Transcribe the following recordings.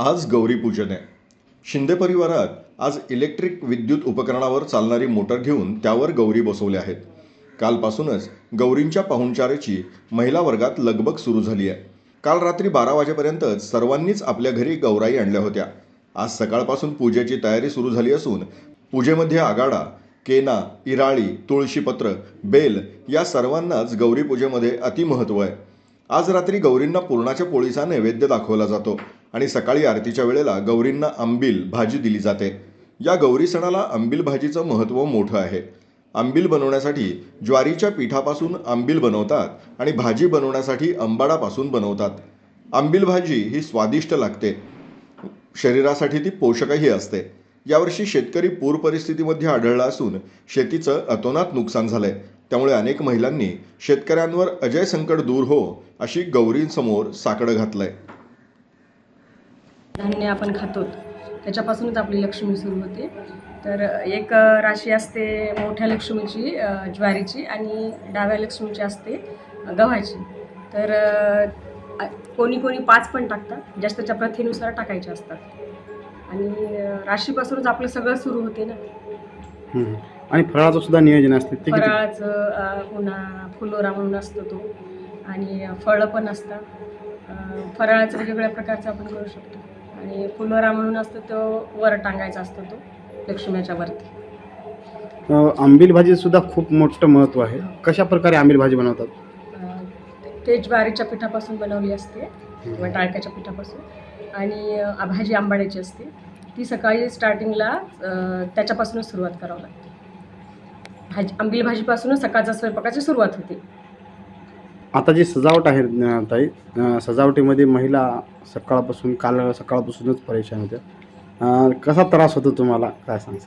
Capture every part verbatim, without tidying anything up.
आज गौरीपूजन आहे. शिंदे परिवारात आज इलेक्ट्रिक विद्युत उपकरणावर चालणारी मोटर घेऊन त्यावर गौरी बसवल्या आहेत. कालपासूनच गौरींच्या पाहुणचाराची महिला वर्गात लगबग सुरू झाली आहे. काल रात्री बारा वाजेपर्यंतच सर्वांनीच आपल्या घरी गौराई आणल्या होत्या. आज सकाळपासून पूजेची तयारी सुरू झाली असून पूजेमध्ये आगाडा, केना, इराळी, तुळशीपत्र, बेल या सर्वांनाच गौरीपूजेमध्ये अतिमहत्त्व आहे. आज रात्री गौरींना पुरणाच्या पोळीचा नैवेद्य दाखवला जातो आणि सकाळी आरतीच्या वेळेला गौरींना आंबील भाजी दिली जाते. या गौरी सणाला आंबील भाजीचं महत्त्व मोठं आहे. आंबील बनवण्यासाठी ज्वारीच्या पिठापासून आंबील बनवतात आणि भाजी बनवण्यासाठी आंबाडापासून बनवतात. आंबील भाजी ही स्वादिष्ट लागते, शरीरासाठी ती पोषकही असते. यावर्षी शेतकरी पूर परिस्थितीमध्ये आढळला असून शेतीचं अतोनात नुकसान झालंय. त्यामुळे अनेक महिलांनी शेतकऱ्यांवर अजय संकट दूर हो अशी गौरींसमोर साकडं घातलंय. धान्य आपण खातो त्याच्यापासूनच आपली लक्ष्मी सुरू होते. तर एक राशी असते मोठ्या लक्ष्मीची ज्वारीची आणि डाव्या लक्ष्मीची असते गव्हाची. तर कोणी कोणी पाच पण टाकतात, ज्याच्या प्रथेनुसार टाकायचे असतात. आणि राशीपासूनच आपलं सगळं सुरू होते ना. आणि फराळाचं सुद्धा नियोजन असते. फराळाचं पुन्हा फुलोरा म्हणून असतो तो, आणि फळं पण असतात. फराळाचं वेगवेगळ्या प्रकारचं आपण करू शकतो. आणि फुलोरा म्हणून असतो तो वर टांगायचा असतो, तो लक्ष्मीच्या वरती. आंबील भाजी सुद्धा खूप मोठं महत्त्व आहे. कशा प्रकारे आंबील भाजी बनवतात? ते ज्वारीच्या पिठापासून बनवली असते किंवा टाळक्याच्या पिठापासून. आणि भाजी आंबाड्याची असते. ती सकाळी स्टार्टिंगला त्याच्यापासूनच सुरुवात करावं लागते. भाजी आंबील भाजीपासूनच सकाळच्या स्वयंपाकाची सुरुवात होते. आता जी सजावट आहे ताई, सजावटीमध्ये महिला सकाळपासून काल सकाळपासूनच परेशान होत्या. कसा त्रास होतो तुम्हाला, काय सांगता?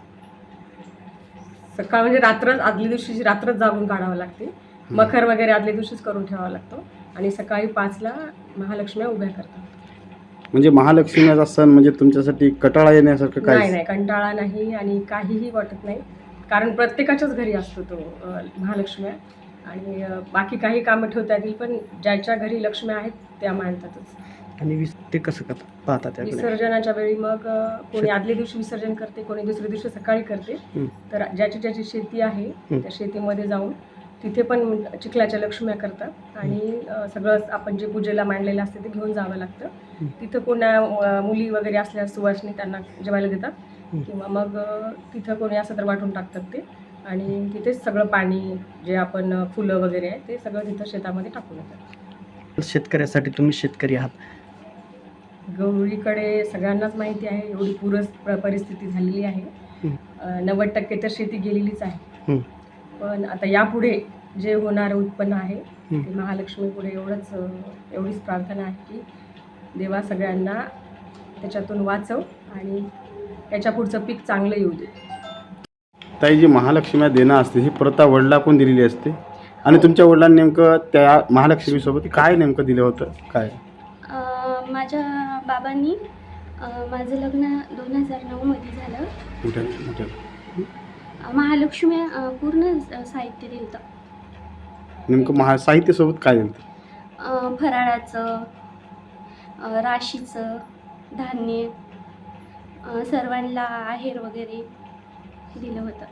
सकाळ म्हणजे रात्रच आदल्या दिवशी रात्रच जागून काढावं लागते. मखर वगैरे आदल्या दिवशीच करून ठेवावा लागतो. आणि सकाळी पाचला महालक्ष्म्या उभ्या करतात. म्हणजे महालक्ष्मीचा सण म्हणजे तुमच्यासाठी कंटाळा येण्यासारखं काय? नाही नाही, कंटाळा नाही आणि काहीही वाटत नाही. कारण प्रत्येकाच्याच घरी असतो तो महालक्ष्म्या. आणि बाकी काही कामं ठेवता येतील, पण ज्याच्या घरी लक्ष्मी आहेत त्या मानतातच. आणि ते कसं करतात पाहतात? विसर्जनाच्या वेळी मग कोणी आदल्या दिवशी विसर्जन करते, कोणी दुसऱ्या दिवशी सकाळी करते. तर ज्याची ज्याची शेती आहे त्या शेतीमध्ये जाऊन तिथे पण चिखलाच्या लक्ष्म्या करतात. आणि सगळं आपण जे पूजेला मांडलेलं असते ते घेऊन जावं लागतं. तिथं कोणा मुली वगैरे असल्या सुवासिनी त्यांना जेवायला देतात, किंवा मग तिथं कोणी असं तर वाटून टाकतात ते. आणि तिथेच सगळं पाणी जे आपण फुलं वगैरे आहे ते सगळं तिथं शेतामध्ये टाकून येतात. शेतकऱ्यासाठी तुम्ही शेतकरी आहात. गौरीकडे सगळ्यांनाच माहिती आहे एवढी पूरच परिस्थिती झालेली आहे. नव्वद टक्के तर शेती गेलेलीच आहे. पण आता यापुढे जे होणारं उत्पन्न आहे ते महालक्ष्मी पुढे एवढंच एवढीच प्रार्थना आहे की देवा सगळ्यांना त्याच्यातून वाचव आणि त्याच्या पुढचं पीक चांगलं येऊ दे. ताई, जी महालक्ष्म्या देणं असते ही प्रथा वडिलांकडून दिलेली असते. आणि तुमच्या वडिलांनी नेमकं त्या महालक्ष्मीसोबत काय नेमकं दिलं होतं? काय? माझ्या बाबांनी माझं लग्न दोन हजार नऊमध्ये झालं. महालक्ष्मी पूर्ण साहित्य दिलं होतं. नेमकं महा साहित्यासोबत काय दिलं होतं? फराळाचं, राशीचं, धान्य, सर्वांना आहेर वगैरे दिलं होतं.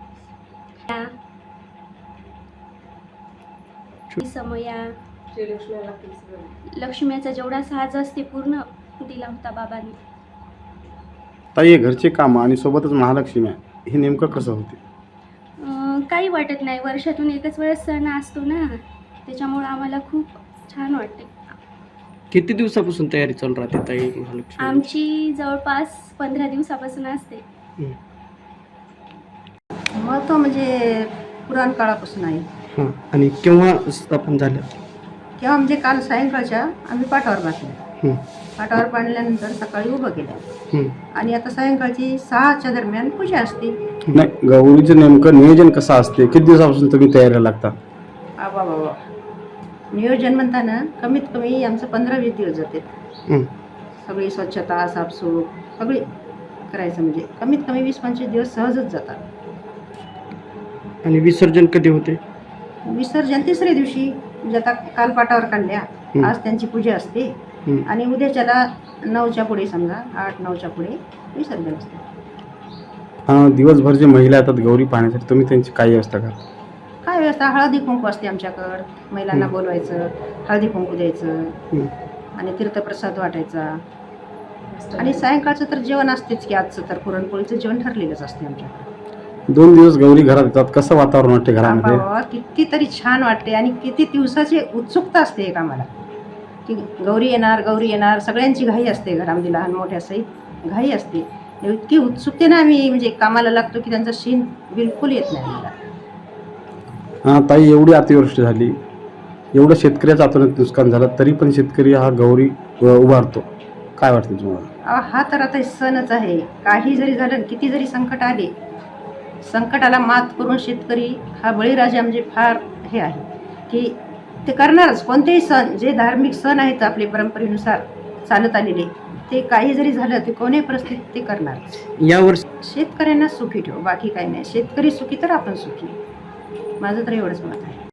समया लक्ष्मीचा जेवढा साज असते पूर्ण दिला होता बाबांनी. ताई, घरचे काम आणि सोबतच महालक्ष्म्या हे नेमकं कसं होते? काही वाटत नाही. वर्षातून एकच वेळेस सण असतो ना, त्याच्यामुळे आम्हाला खूप छान वाटते. किती दिवसापासून तयारी चालू राहते ताई महालक्ष्मी? आमची जवळपास पंधरा दिवसापासून असते. महत्त्व म्हणजे पुराण काळापासून आहे. हां. आणि केव्हा स्थापन झालं? किंवा म्हणजे काल सायंकाळच्या आम्ही पाठावर बांधल्या. पाठावर बांधल्यानंतर सकाळी उभं केलं. आणि आता सायंकाळची सहाच्या दरम्यान पूजा असते. नाही, गौरीचं नेमकं नियोजन कसं असते? किती दिवसापासून तुम्ही तयारीला लागता? बाबा बाबा नियोजन म्हणताना कमीत कमी आमचं पंधरा वीस दिवस जाते. सगळी स्वच्छता, साफसूफ सगळी करायचं म्हणजे कमीत कमी वीस पंचवीस दिवस सहजच जातात. आणि विसर्जन कधी होते? विसर्जन तिसऱ्या दिवशी. म्हणजे आता काल पाठावर काढल्या, आज त्यांची पूजा असते. हं. आणि उद्याच्याला नऊच्या पुढे समजा आठ नऊच्या पुढे विसर्जन असतं. अं, दिवसभर जे महिला येतात गौरी पाहण्यासाठी तुम्ही त्यांची काय व्यवस्था करता? काय व्यवस्था हळदी कुंकू असते आमच्याकडं, महिलांना हं. बोलवायचं, हळदी कुंकू द्यायचं हं. आणि तीर्थप्रसाद वाटायचा. आणि सायंकाळचं तर जेवण असतेच की, आजचं तर पुरणपोळीचं जेवण ठरलेलंच असते आमच्याकडे. दोन दिवस गौरी घरात येतात, कसं वातावरण वाटते घरामध्ये? बाबा, कितीतरी छान वाटते आणि किती दिवसाची उत्सुकता असते एक आम्हाला की गौरी येणार गौरी येणार. सगळ्यांची घाई असते घरामध्ये, लहान मोठ्या सहित घाई असते. इतकी उत्सुकतेने आम्ही म्हणजे कामाला लागतो की त्यांचा शीन बिलकुल येत नाही आम्हाला. हां ताई, एवढी अतिवृष्टी झाली, एवढं शेतकऱ्याचं अतोनात नुकसान झालं, तरी पण शेतकरी हा गौरी अ, उभारतो. काय वाटतं तुम्हाला? अहो, हा तर आता सणच आहे. काही जरी झालं, किती जरी संकट आले, संकटाला मात करून शेतकरी हा बळीराजा म्हणजे फार हे आहे की ते करणारच. कोणतेही सण जे धार्मिक सण आहेत आपले परंपरेनुसार चालत आलेले, ते काही जरी झालं ते कोणत्याही परिस्थितीत ते करणारच. यावर्षी शेतकऱ्यांना सुखी ठेव, बाकी काही नाही. शेतकरी सुखी तर आपण सुखी. माझं तर एवढंच मत आहे.